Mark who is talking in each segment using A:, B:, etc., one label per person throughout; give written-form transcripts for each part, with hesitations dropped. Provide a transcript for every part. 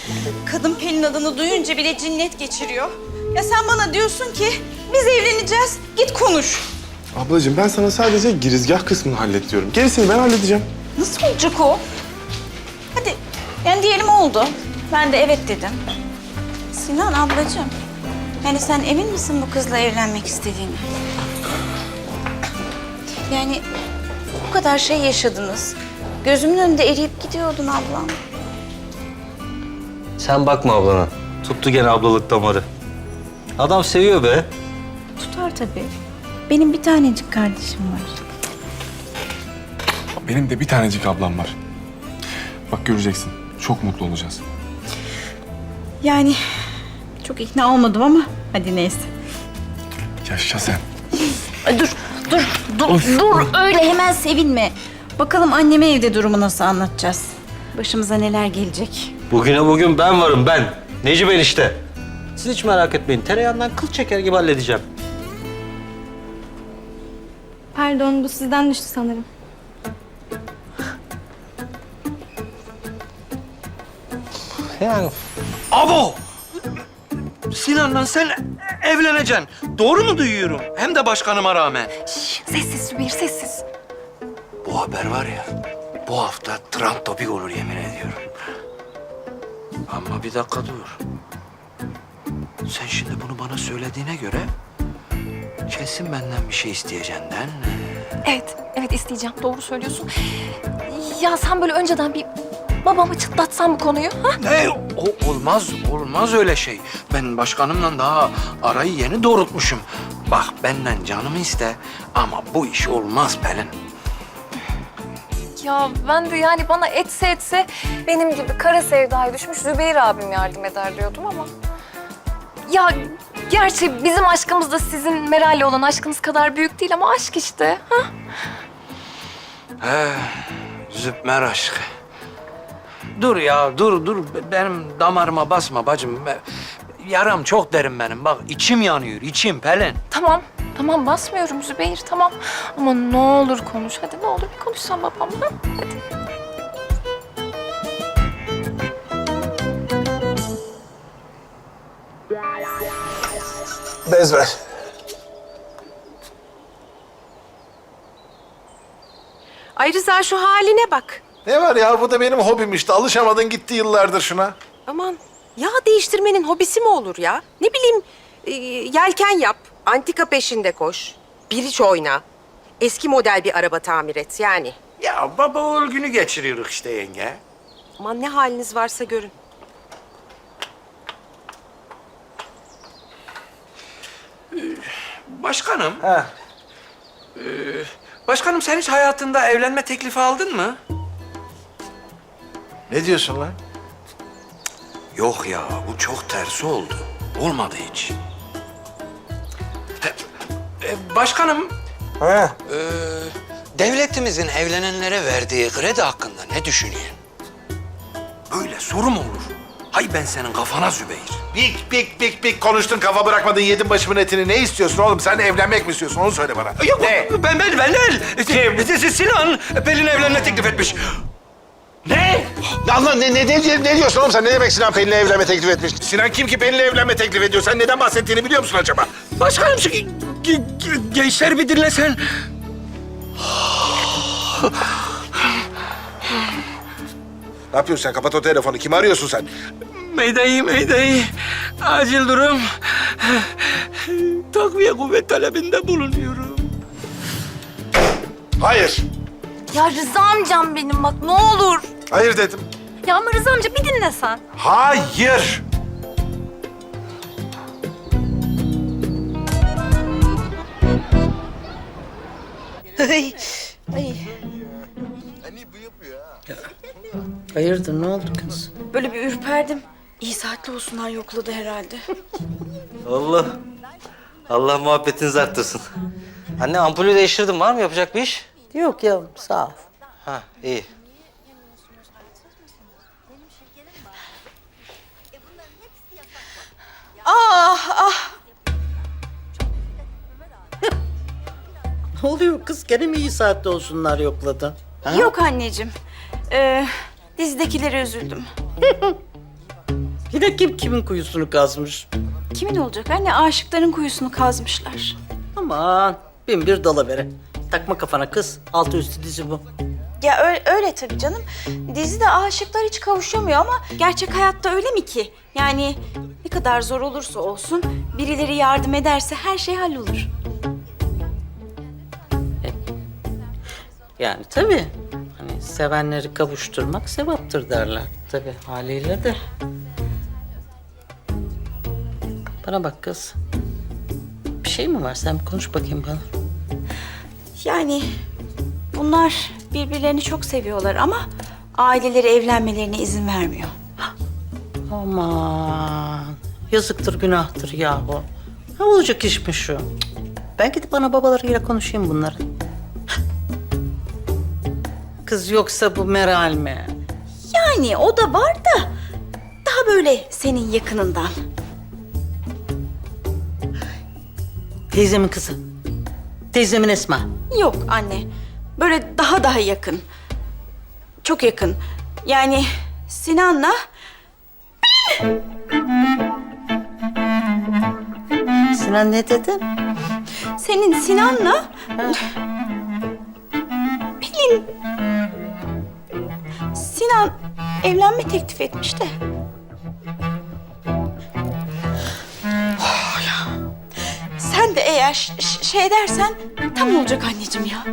A: Kadın Pelin adını duyunca bile cinnet geçiriyor. Ya sen bana diyorsun ki biz evleneceğiz. Git konuş.
B: Ablacığım ben sana sadece girizgah kısmını hallet diyorum. Gerisini ben halledeceğim.
A: Nasıl olacak o? Hadi yani diyelim oldu. Ben de evet dedim. Sinan ablacığım. Yani sen emin misin bu kızla evlenmek istediğini? Yani bu kadar şey yaşadınız. Gözümün önünde eriyip gidiyordun ablam.
C: Sen bakma ablana. Tuttu gene ablalık damarı. Adam seviyor be.
A: Tutar tabii. Benim bir tanecik kardeşim var.
B: Benim de bir tanecik ablam var. Bak göreceksin. Çok mutlu olacağız.
A: Yani çok ikna olmadım ama hadi neyse.
B: Yaşa sen.
A: Ay dur öyle hemen sevinme. Bakalım anneme evde durumu nasıl anlatacağız. Başımıza neler gelecek.
C: Bugüne bugün ben varım ben. Necip enişte. Siz hiç merak etmeyin. Tereyağından kıl çeker gibi halledeceğim.
D: Pardon, bu sizden düştü sanırım.
C: Yani
E: Abo! Sinan'la sen evleneceksin. Doğru mu duyuyorum? Hem de başkanıma rağmen.
D: Sessiz Zübeyir, sessiz.
E: Bu haber var ya, bu hafta trend topik olur yemin ediyorum. Ama bir dakika dur. Sen şimdi bunu bana söylediğine göre kesin benden bir şey isteyeceksin değil mi?
D: Evet isteyeceğim. Doğru söylüyorsun. Ya sen böyle önceden bir babama çıtlatsan bu konuyu, ha?
E: Ne? Olmaz öyle şey. Ben başkanımla daha arayı yeni doğrultmuşum. Bak benden canımı iste ama bu iş olmaz Pelin.
D: Ya ben de yani bana etse benim gibi kara sevdaya düşmüş Zübeyir abim yardım eder diyordum ama... Ya gerçi bizim aşkımız da sizin Meral'le olan aşkınız kadar büyük değil ama aşk işte, ha?
E: Zübmer aşkı. Dur ya, dur. Benim damarıma basma bacım. Yaram çok derin benim. Bak içim yanıyor, içim Pelin.
D: Tamam basmıyorum Zübeyir, tamam. Ama ne olur konuş, hadi ne olur bir konuşsan babamla. Hadi.
B: Bez ver.
F: Ay Rıza şu haline bak.
G: Ne var ya, bu da benim hobim işte. Alışamadın gitti yıllardır şuna.
F: Aman yağ değiştirmenin hobisi mi olur ya? Ne bileyim yelken yap, antika peşinde koş, biriç oyna. Eski model bir araba tamir et yani.
E: Ya baba oğul günü geçiriyoruz işte yenge.
F: Aman ne haliniz varsa görün.
E: Başkanım. Başkanım sen hiç hayatında evlenme teklifi aldın mı?
G: Ne diyorsun lan?
E: Yok ya, bu çok tersi oldu. Olmadı hiç. Başkanım, devletimizin evlenenlere verdiği kredi hakkında ne düşünüyorsun? Böyle soru mu olur? Hay ben senin kafana Zübeyir.
G: Bik konuştun, kafa bırakmadın, yedin başımın etini. Ne istiyorsun oğlum? Sen evlenmek mi istiyorsun? Onu söyle bana.
E: Yok,
G: Ne?
E: ben değil. Sinan Pelin'e evlenme teklif etmiş.
G: Ne? Allah ne diyorsun oğlum sen? Ne demek Sinan Pelin'le evlenme teklif etmiş? Sinan kim ki Pelin'le evlenme teklif ediyor? Sen neden bahsettiğini biliyor musun acaba?
E: Başkanım şu gençler bir dinlesen.
G: Ne yapıyorsun sen? Kapat o telefonu. Kimi arıyorsun sen?
E: Mayday. Acil durum. Takviye kuvvet talebinde bulunuyorum.
G: Hayır.
D: Ya Rıza amcam benim bak ne olur.
G: Hayır dedim.
D: Ya ama Rıza amca bir dinle sen.
G: Hayır.
H: Hayırdır, ne oldu kız?
A: Böyle bir ürperdim. İyi saatli olsunlar yokladı herhalde.
C: Allah muhabbetinizi arttırsın. Anne ampulü değiştirdim. Var mı yapacak bir iş?
H: Yok yavrum, sağ ol.
C: Ha iyi.
H: Ne oluyor kız? Gene mi iyi saatte olsunlar yokladın? Ha?
A: Yok anneciğim. Dizdekilere üzüldüm.
H: Yine kim kimin kuyusunu kazmış?
A: Kimin olacak anne? Aşıkların kuyusunu kazmışlar.
H: Aman bin bir dalavere. Takma kafana kız. Altı üstü dizi bu.
A: Ya öyle tabii canım. Dizide aşıklar hiç kavuşamıyor ama gerçek hayatta öyle mi ki? Yani ne kadar zor olursa olsun birileri yardım ederse her şey hallolur.
H: Yani tabii. Hani sevenleri kavuşturmak sevaptır derler. Tabii haliyle de. Bana bak kız. Bir şey mi var? Sen bir konuş bakayım bana.
A: Yani bunlar birbirlerini çok seviyorlar ama aileleri evlenmelerine izin vermiyor.
H: Aman. Yazıktır, günahtır yahu. Ne olacak iş mi şu? Cık. Ben gidip ana babalarıyla konuşayım bunların. Kız yoksa bu Meral mi?
A: Yani o da var da daha böyle senin yakınından.
H: Teyzemin kızı. Teyzemin Esma.
A: Yok anne. Böyle daha yakın. Çok yakın. Yani Sinan'la
H: Sinan ne dedi?
A: senin Sinan'la Pelin. Sinan evlenme teklif etmiş de. Oh ya. Sen de eğer şey dersen tam olacak anneciğim ya.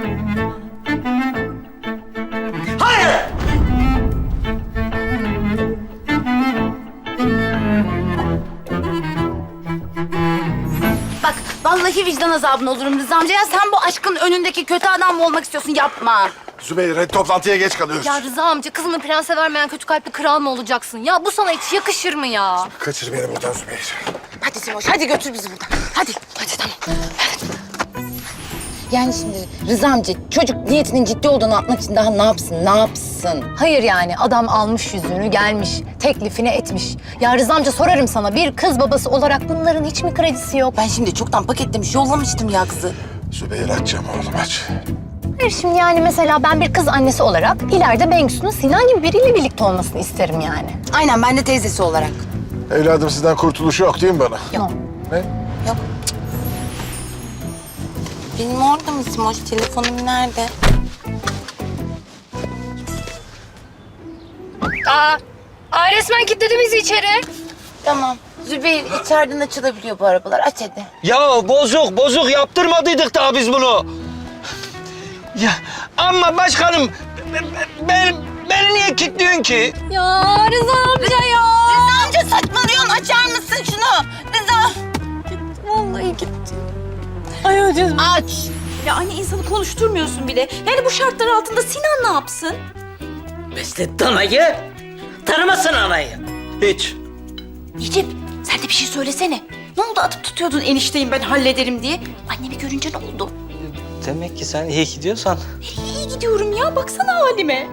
I: Bak vallahi vicdan azabına olurum Rıza amca. Ya sen bu aşkın önündeki kötü adam mı olmak istiyorsun? Yapma.
G: Zübeyir hadi toplantıya geç kalıyoruz.
D: Ya Rıza amca kızını prense vermeyen kötü kalpli kral mı olacaksın? Ya bu sana hiç yakışır mı ya?
G: Kaçır beni buradan Zübeyir.
I: Hadi Simoş hadi götür bizi buradan. Hadi. Hadi tamam.
J: Yani şimdi Rıza amca çocuk niyetinin ciddi olduğunu atmak için daha ne yapsın, ne yapsın?
D: Hayır yani adam almış yüzüğünü gelmiş, teklifini etmiş. Ya Rıza amca sorarım sana bir kız babası olarak bunların hiç mi kredisi yok?
J: Ben şimdi çoktan paketlemiş, yollamıştım ya kızı.
G: Zübeyir açacağım oğlum aç.
D: Hayır şimdi yani mesela ben bir kız annesi olarak ileride Bengisu'nun Sinan gibi biriyle birlikte olmasını isterim yani.
J: Aynen, ben de teyzesi olarak.
G: Evladım sizden kurtuluş yok değil mi bana?
J: Yok.
G: Ne?
J: Yok. Benim orada mı Simoş? Telefonum nerede?
D: Aa resmen kilitledi bizi içeri.
J: Tamam. Zübeyir, içeriden açılabiliyor bu arabalar. Aç hadi.
C: Ya bozuk yaptırmadıydık daha biz bunu. Ya ama başkanım beni niye kilitliyorsun ki?
D: Ya Rıza amca ya.
J: Rıza amca saçmalıyorsun. Açar mısın şunu? Rıza.
D: Vallahi gitti.
J: Aç.
A: Ya anne insanı konuşturmuyorsun bile. Yani bu şartlar altında Sinan ne yapsın?
H: Beslet danayı. Tanımasın anayı.
C: Hiç.
A: Necip sen de bir şey söylesene. Ne oldu atıp tutuyordun enişteyim ben hallederim diye. Annemi görünce ne oldu?
C: Demek ki sen iyi gidiyorsan.
A: İyi gidiyorum ya baksana halime.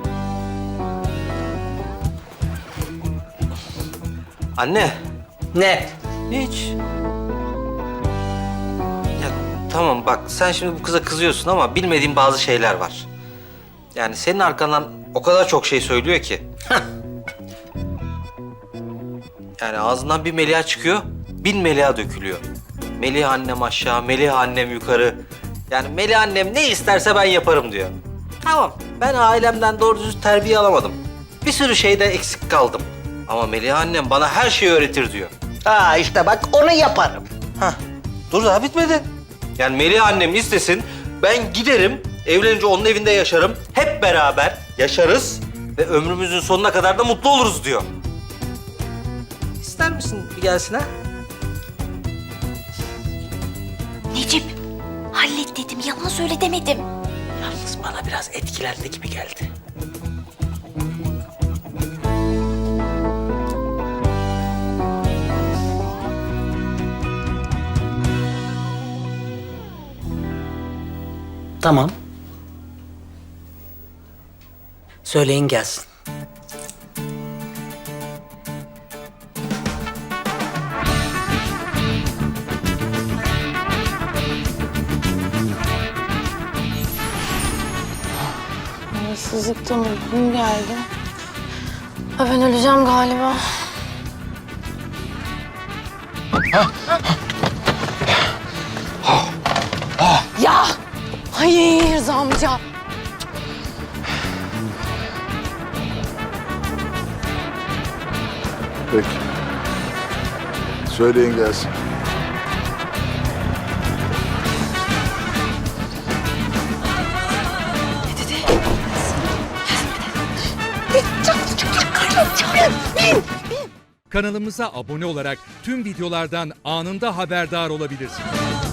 C: Anne.
H: Ne?
C: Hiç. Ya tamam bak sen şimdi bu kıza kızıyorsun ama bilmediğin bazı şeyler var. Yani senin arkandan o kadar çok şey söylüyor ki. Yani ağzından bir Meliha çıkıyor, 1000 Meliha dökülüyor. Melih annem aşağı, Melih annem yukarı. Yani Melih annem ne isterse ben yaparım diyor. Tamam, ben ailemden doğru düzgün terbiye alamadım. Bir sürü şeyde eksik kaldım. Ama Melih annem bana her şeyi öğretir diyor.
H: Ha işte bak onu yaparım.
C: Hah, dur daha bitmedi. Yani Melih annem istesin, ben giderim, evlenince onun evinde yaşarım. Hep beraber yaşarız ve ömrümüzün sonuna kadar da mutlu oluruz diyor. İster misin bir gelsin ha?
A: Necip hallet dedim yalan söyle demedim.
H: Yalnız bana biraz etkilendi gibi geldi. Tamam. Söyleyin gelsin.
J: Hırsızlıktan uykum geldi.
D: Ha, ben öleceğim galiba.
I: Ya! Hayır Rıza amca.
K: Peki. Söyleyin gelsin.
L: Kanalımıza abone olarak tüm videolardan anında haberdar olabilirsiniz.